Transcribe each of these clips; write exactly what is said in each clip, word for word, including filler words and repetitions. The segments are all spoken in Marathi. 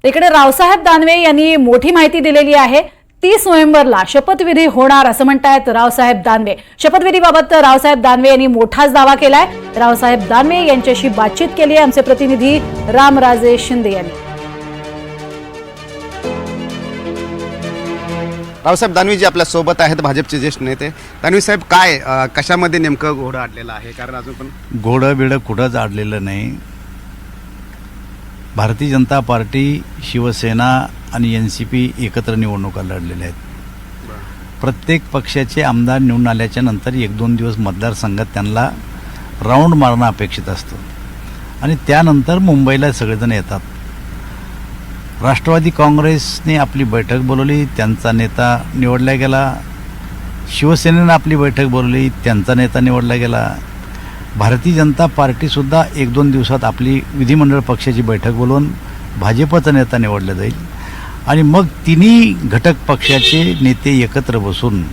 इकडे रावसाहेब दानवे यांनी मोठी माहिती दिलेली आहे। तीस नोव्हेंबरला शपथविधी होणार असं म्हणतायत रावसाहेब दानवे। शपथविधीबाबत रावसाहेब दानवे यांनी मोठाच दावा केलाय। रावसाहेब दानवे यांच्याशी बातचीत केली आहे आमचे प्रतिनिधी रामराजे शिंदे यांनी। रावसाहेब दानवे जी आपल्या सोबत आहेत, भाजपचे ज्येष्ठ नेते। दानवे साहेब, काय कशामध्ये नेमकं घोडं अडलेलं आहे? कारण अजून पण घोडं बिडं कुठंच अडलेलं नाही। भारतीय जनता पार्टी, शिवसेना आणि एन सी पी एकत्र निवडणुका लढलेल्या आहेत। प्रत्येक पक्षाचे आमदार निवडून आल्याच्या नंतर एक दोन दिवस मतदारसंघात त्यांना राऊंड मारणं अपेक्षित असतं आणि त्यानंतर मुंबईला सगळेजण येतात। राष्ट्रवादी काँग्रेसने आपली बैठक बोलवली, त्यांचा नेता निवडला गेला। शिवसेनेनं आपली बैठक बोलवली, त्यांचा नेता निवडला गेला। भारतीय जनता पार्टीसुद्धा एक दोन दिवसात आपली विधिमंडळ पक्षाची बैठक बोलवून भाजपचा नेता निवडला जाईल आणि मग तिन्ही घटक पक्षाचे नेते एकत्र बसून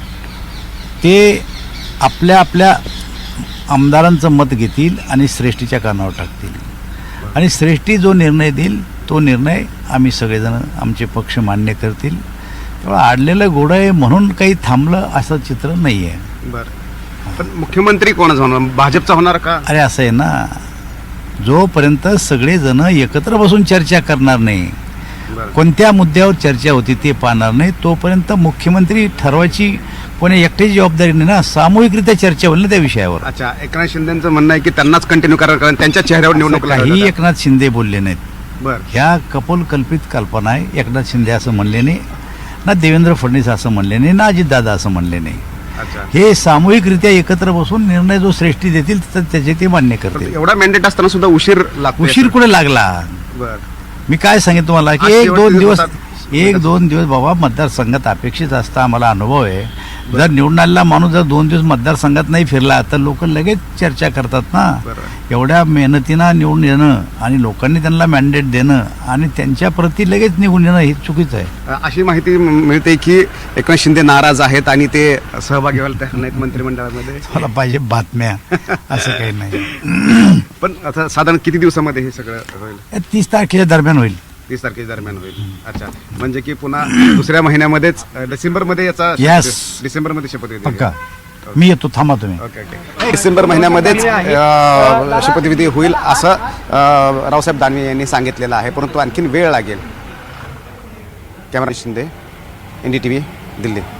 ते आपल्या आपल्या आमदारांचं मत घेतील आणि श्रेष्ठीच्या कानावर टाकतील आणि श्रेष्ठी जो निर्णय देईल तो निर्णय आम्ही सगळेजण आमचे पक्ष मान्य करतील। तेव्हा आडलेलं घोडं आहे म्हणून काही थांबलं असं चित्र नाही आहे। बरं, पण मुख्यमंत्री कोणाचा होणार? भाजपचा होणार का? अरे असं आहे ना, जोपर्यंत सगळेजण एकत्र बसून चर्चा करणार नाही, कोणत्या मुद्द्यावर चर्चा होती ते पाहणार नाही, तोपर्यंत मुख्यमंत्री ठरवायची कोणी एकट्याची जबाबदारी नाही ना, सामूहिकरित्या चर्चा होईल ना त्या विषयावर। अच्छा, एकनाथ शिंदेचं म्हणणं आहे की त्यांनाच कंटिन्यू करावं, कारण त्यांच्या चेहऱ्यावर निवडणूक काही एकनाथ शिंदे बोलले नाहीत। बरं, ह्या कपोल कल्पित कल्पना आहे। एकनाथ शिंदे असं म्हणले नाही ना, देवेंद्र फडणवीस असं म्हणले नाही ना, अजितदादा असं म्हणले नाही। अच्छा, हे सामूहिकरित्या एकत्र बसून निर्णय जो श्रेष्ठी देतील तर त्याचे ते मान्य करतील। एवढा मॅन्डेट असताना सुद्धा उशीर लागतो। उशीर कुठे लागला? बरं, मी काय सांगितलं तुम्हाला की आज एक शेवटचे दोन दिवस दिवसात- एक दोन दिवस बाबा मतदारसंघात अपेक्षित असता आम्हाला अनुभव आहे। जर निवडून आलेला माणूस जर दोन दिवस मतदारसंघात नाही फिरला तर लोक लगेच चर्चा करतात ना। बरं, एवढ्या मेहनतीनं निवडून येणं आणि लोकांनी त्यांना मॅन्डेट देणं आणि त्यांच्या प्रती लगेच निघून येणं हे चुकीचं आहे। अशी माहिती मिळते की एकनाथ शिंदे नाराज आहेत आणि ते सहभागी व्हायला तयार नाहीत मंत्रिमंडळामध्ये। मला पाहिजे बातम्या, असं काही नाही। पण आता साधारण किती दिवसामध्ये हे सगळं होईल? तीस तारखेच्या दरम्यान होईल। तीस तारखेच्या दरम्यान होईल। अच्छा, म्हणजे की पुन्हा दुसऱ्या महिन्यामध्येच डिसेंबर मध्ये याचा Yes. डिसेंबर मध्ये शपथ घेतली पक्का मी येतो, थांबा तुम्ही। ओके ओके डिसेंबर महिन्यामध्येच अ, शपथविधी होईल असं अ, रावसाहेब दानवे यांनी सांगितलेलं आहे, परंतु आणखीन वेळ लागेल। Camera Shinde, N D T V, Delhi.